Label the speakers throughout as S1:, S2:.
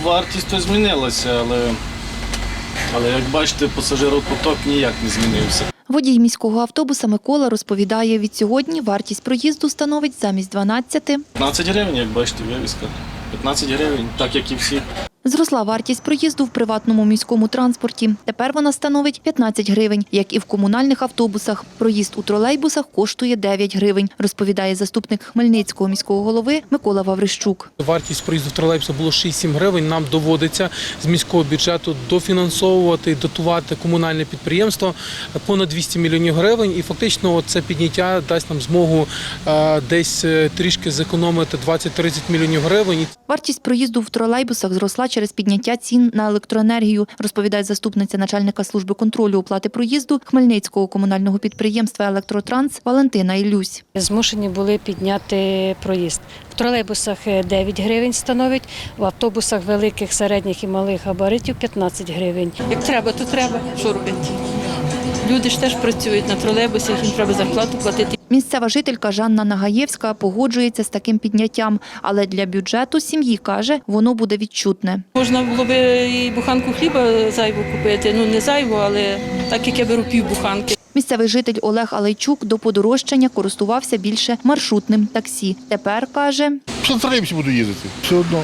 S1: вартість то змінилася, але як бачите, пасажиропоток ніяк не змінився.
S2: Водій міського автобуса Микола розповідає, від сьогодні вартість проїзду становить замість 12 –
S1: 15 гривень, як бачите, вивіска. 15 гривень, так як і всі.
S2: Зросла вартість проїзду в приватному міському транспорті. Тепер вона становить 15 гривень, як і в комунальних автобусах. Проїзд у тролейбусах коштує 9 гривень, розповідає заступник Хмельницького міського голови Микола Ваврищук.
S3: Вартість проїзду в тролейбусі було 6-7 гривень. Нам доводиться з міського бюджету дофінансовувати, дотувати комунальне підприємство понад 200 мільйонів гривень. І фактично це підняття дасть нам змогу десь трішки зекономити 20-30 мільйонів гривень.
S2: Вартість проїзду в тролейбусах зросла через підняття цін на електроенергію, розповідає заступниця начальника служби контролю оплати проїзду Хмельницького комунального підприємства «Електротранс» Валентина Ілюсь.
S4: Змушені були підняти проїзд. В тролейбусах 9 гривень становить, в автобусах великих, середніх і малих габаритів 15 гривень.
S5: Як треба, то треба. Що робити? Люди ж теж працюють на тролейбусах, їм треба зарплату платити.
S2: Місцева жителька Жанна Нагаєвська погоджується з таким підняттям, але для бюджету сім'ї, каже, воно буде відчутне.
S5: Можна було б і буханку хліба зайву купити, не зайву, але так як я беру півбуханки.
S2: Місцевий житель Олег Алейчук до подорожчання користувався більше маршрутним таксі. Тепер, каже,
S6: в тролейбусі буду їздити, все одно.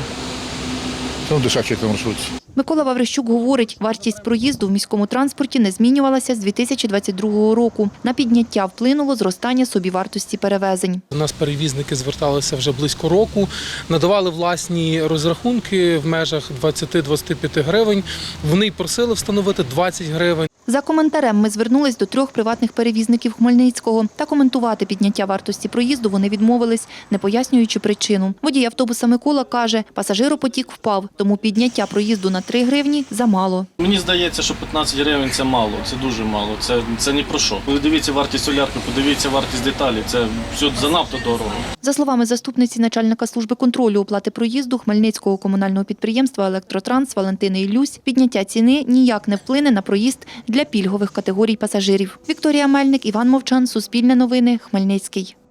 S6: Це дешевше, як на маршрутці.
S2: Микола Ваврищук говорить, вартість проїзду в міському транспорті не змінювалася з 2022 року. На підняття вплинуло зростання собівартості перевезень.
S3: У нас перевізники зверталися вже близько року, надавали власні розрахунки в межах 20-25 гривень. Вони й просили встановити 20 гривень.
S2: За коментарем ми звернулись до 3 приватних перевізників Хмельницького. Та коментувати підняття вартості проїзду вони відмовились, не пояснюючи причину. Водій автобуса Микола каже, пасажиропотік впав, тому підняття проїзду на 3 гривні замало.
S1: Мені здається, що 15 гривень – це мало, це дуже мало, це ні про що. Подивіться вартість солярки, подивіться вартість деталі, це все занадто дорого.
S2: За словами заступниці начальника служби контролю оплати проїзду Хмельницького комунального підприємства «Електротранс» Валентини Ілюсь, підняття ціни ніяк не вплине на проїзд для пільгових категорій пасажирів. Вікторія Мельник, Іван Мовчан, Суспільне новини, Хмельницький.